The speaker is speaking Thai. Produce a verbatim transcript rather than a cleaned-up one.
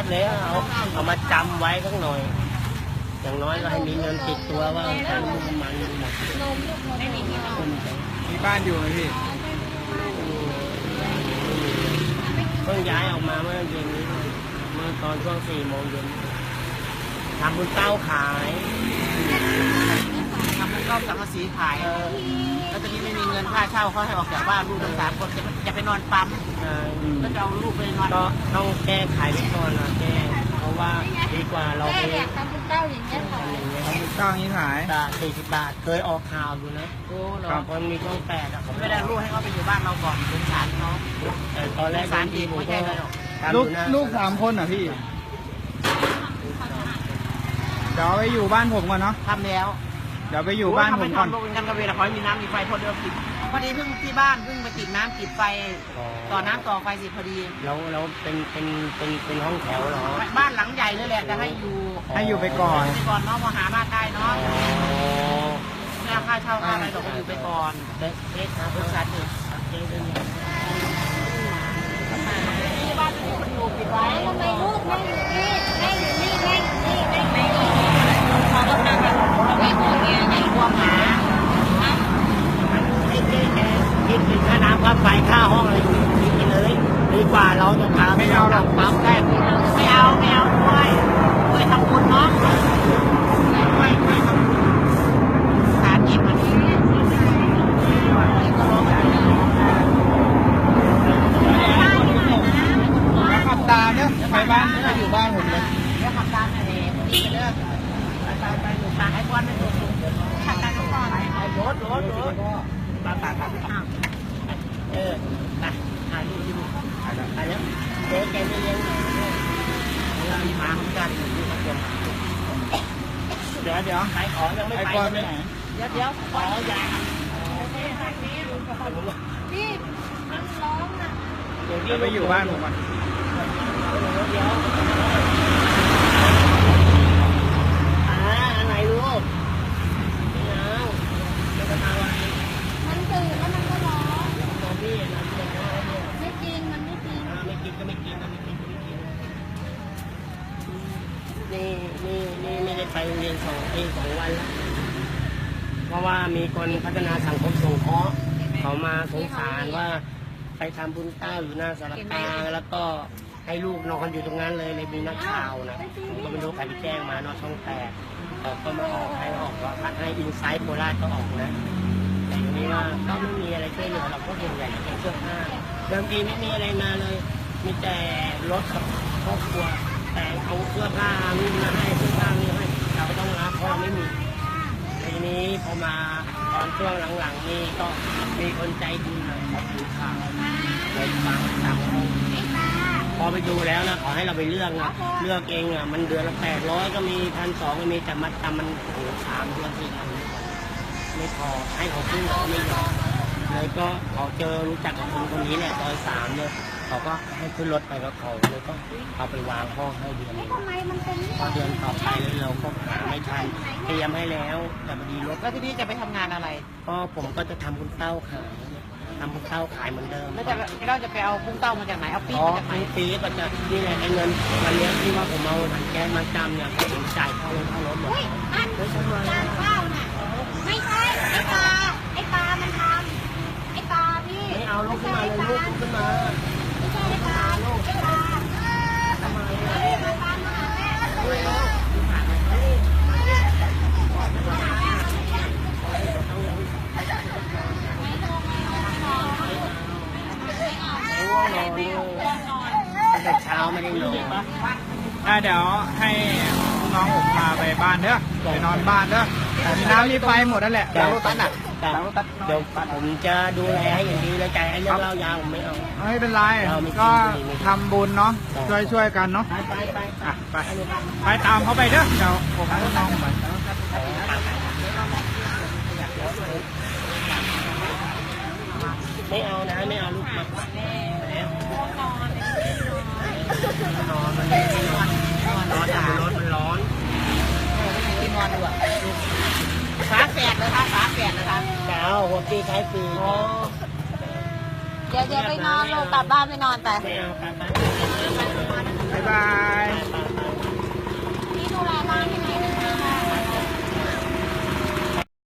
เลยเอาเอามาจำไว้สักหน่อยอย่างน้อยก็ให้มีเงินติดตัวว่าค่าน้ำมันหมดมีบ้านอยู่ไหมพี่เพิ่งย้ายออกมาเมื่อเย็นนี้เมื่อตอนช่วงสี่โมงเย็นทำบุญเต้าขายทำบุญเต้าสังกะสีขายแล้วตอนนี้ไม่มีเงินค่าเช่าเขาให้ออกจากบ้านลูกทั้งสามคนจะจะไปนอนปั๊มก็จะเอาลูกไปนอนก็ต้องแก้ไขไปก่อนนะแก้เพราะว่าดีกว่าเราไปทำบุญเต้าอย่างเงี้ยค่ะทำบุญเต้าอย่างนี้ขายบาทสี่สิบบาทเคยออกข่าวอยู่นะโอ้เราคนมีช่องแปดอะผมไม่ได้ลูกให้เขาไปอยู่บ้านเราก่อนสงสารเขาแต่ตอนแรกสารดีไม่ใช่เลยหรอกลูกลูกสามคนอ่ะพี่เดี๋ยวไปอยู่บ้านผมก่อนเนาะทำแล้วเดี๋ยวไปอยู่บ้านผมก่อนลูกกันกระเวลาคอยมีน้ำมีไฟพอเดิมติดพอดีเพิ่งที่บ้านเพิ่งไปติดน้ำติดไฟต่อน้ำต่อไฟสิพอดีแล้วแล้วเป็นเป็นเป็นเป็นห้องแถวเหรอบ้านหลังใหญ่เลยแหละจะให้อยู่ให้อยู่ไปก่อนไปก่อนเนาะพอหาบ้านได้เนาะไม่เอาค่าเช่าค่าอะไรเราก็อยู่ไปก่อนเด็กเด็กครับบริษัทเด็กเด็กเด็กที่บ้านที่มันอยู่ปิดไว้ทำไมลูกไม่อยู่นี่ไม่อยู่นี่ไม่นี่ไม่ไม่เขาก็ทำแบบไม่โกงเงี้ยไม่กลัวหมาให้เจ๊แกคิดถึงค่าน้ำค่าไฟค่าห้องอะไรอยู่คิดไปเลยดีกว่าเราจะพาไม่เอาหรอกปั๊มแรกไม่เอาไม่เอาด้วยด้วยทำบุญเนาะด้วยด้วยทำบุญสารกิจมันนี้แล้วขับตามเนี่ยไปบ้านก็อยู่บ้านผมเลยแล้วขับตามอะไรดีเลิกไปไปหนุนตาให้ก้อนไม่ถูกขับตามก็ก้อนไปรถรถรถตาตาตาเออไปถ่ายรูปที่ดูถ่ายแล้วเจ๊แกไม่เลี้ยงเรามีหมาเหมือนกันอยู่ทุกคนเดี๋ยวเดี๋ยวขายของยังไม่ไปไปไหนเดี๋ยวเดี๋ยวขอยาพี่มันร้องนะเดี๋ยวไปอยู่บ้านผมก่อนเดี๋ยวอ่าอะไรลูกไม่เอาไม่ต้องเอาอะไรมันตื่นแล้วมันก็ร้องนอนนี่นอนนี่ไม่กินมันไม่กินไม่กินก็ไม่กินก็ไม่กินก็ไม่กินนี่นี่นี่ไม่ได้ไปโรงเรียนสองปีสองวันแล้วเพราะว่ามีคนพัฒนาสังคมสงเคราะห์เขามาสงสารว่าไปทำบุญเต้าอยู่หน้าสารกลางแล้วก็ให้ลูกนอนอยู่ตรงนั้นเลยเลยมีนักข่าวนะผมก็ไม่รู้ใครไปแจ้งมานอนช่องแปดเขาก็มาออกให้ออกว่าพัดให้อินไซต์โคราชก็ออกนะแต่ทีนี้ว่าก็ไม่มีอะไรช่วยเหลือเราก็เห็นใหญ่เป็นเสื้อผ้าเดิมทีไม่มีอะไรมาเลยมีแต่รถกับครอบครัวแต่เอาเสื้อผ้านี่มาให้เสื้อผ้านี่ให้เราก็ต้องรับเพราะเราไม่มีทีนี้พอมาตอนช่วงหลังๆนี่ก็มีคนใจดีหน่อยเขาถือข่าวเลยฟังตามพอไปดูแล้วนะขอให้เราไปเลือกนะเลือกเองอ่ะมันเดือนละแปดร้อยก็มีพันสองก็มีแต่มัดจำมันโอ้สามเดือนสี่พันไม่พอให้เขาขึ้นเขาไม่ยอมเลยก็เขาเจอรู้จักกับคนคนนี้แหละซอยสามเนี่ยเขาก็ให้ขึ้นรถไปกับเขาเลยก็เอาไปวางห้องให้เดือนนึงพอเดือนต่อไปเราก็หาไม่ทันเตรียมให้แล้วแต่พอดีรถแล้วทีนี้จะไปทำงานอะไรก็ผมก็จะทำบุญเต้าขายทำบุญเต้าขายเหมือนเดิมแล้วจะเราจะไปเอาบุญเต้ามาจากไหนเอาปีมาจากไหนปีก็จะนี่แหละไอ้เงินวันนี้ที่ว่าผมเอาถังแก๊สมาจำเนี่ยผมจ่ายเข้ารถเข้ารถหมดไม่ใช่จานข้าวน่ะไม่ใช่ไอ้ปลาไอ้ปลามันทำไอ้ปลาพี่ไม่เอาลูกขึ้นมาเลยลูกขึ้นมาไม่ใช่ไอ้ปลาลูกไอ้ปลาทำไมไอ้ปลาปลามาแม่ด้วยลูกแต่เช้าไม่ได้นอนอ่าเดี๋ยวให้น้องผมพาไปบ้านเด้อไปนอนบ้านเด้อมีน้ำมีไฟหมดนั่นแหละแล้วรถตัดอ่ะเดี๋ยวผมจะดูแลให้อย่างดีเลยใจไอ้เรื่องเล่ายาวผมไม่เอาไม่เป็นไรก็ทำบุญเนาะช่วยช่วยกันเนาะไปไปไปอ่ะไปไปตามเขาไปเด้อเดี๋ยวผมให้น้องไปไม่เอานะไม่เอาลูกมานอนมันนอนนอนแต่รถมันร้อนที่นอนดูอ่ะฝาแฝดเลยค่ะฝาแฝดนะคะเช้าหัวปีใช้ปีเดี๋ยวเดี๋ยวไปนอนลงกลับบ้านไปนอนไปไม่เอาไปไปบ๊ายบาย